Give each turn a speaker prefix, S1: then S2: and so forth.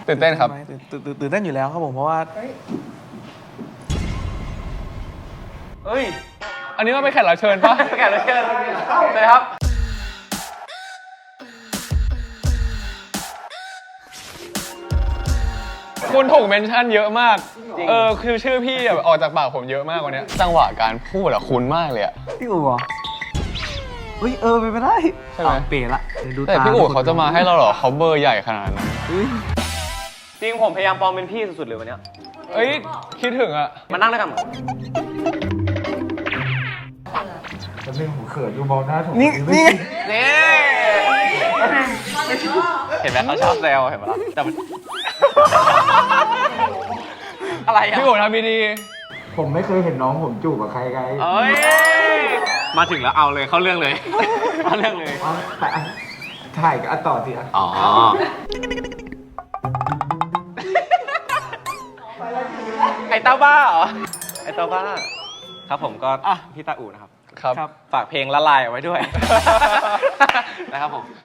S1: ตื่นเต้นครับ
S2: ตื่นเต้นอยู่แล้วครับผมเพราะว่า
S1: เฮ้ยอันนี้มันเป็นแขกรับเชิญปะ
S3: แขกรับเชิญเลยครับ
S1: คุณถูกเมนชั่นเยอะมากคือชื่อพี่แบบออกจากปากผมเยอะมากวันนี้จังหวะการพูดอะคุ้นมากเลยอะ
S2: พี่อู๋เหรอเฮ้ยไปไม่ได้
S1: ใช่ไหม
S2: เป๋ละ
S1: แต่พี่อู๋เขาจะมาให้เราเหรอเขาเบอร์ใหญ่ขนาดนั้น
S3: จริงผมพยายามปลอมเป็นพี่สุดๆเลยวันนี้
S1: เอ้ยคิดถึงอะ
S3: มานั่งด้วยกัน
S4: แล้วเรื่องผมเขินดูมองหน้าผม
S2: นี่
S3: เห็นไหมเขาชอบแซวเห็นไหมล่ะแต่อะไรอ่ะ
S1: พี่อู๋ทำดี
S4: ผมไม่เคยเห็นน้องผมจูบกับใครไง
S3: เอ้ยมาถึงแล้วเอาเลยเข้าเรื่องเลยเข้าเรื่องเลย
S4: แต่ถ่ายกันต่อสิอ่ะ
S3: อ๋อไอ้เต้าบ้าเหรอไอ้เต้าบ้าครับผมก็พี่ตาอู่นะครับ
S1: ครับ
S3: ฝากเพลงละลายเอาไว้ด้วยนะครับผม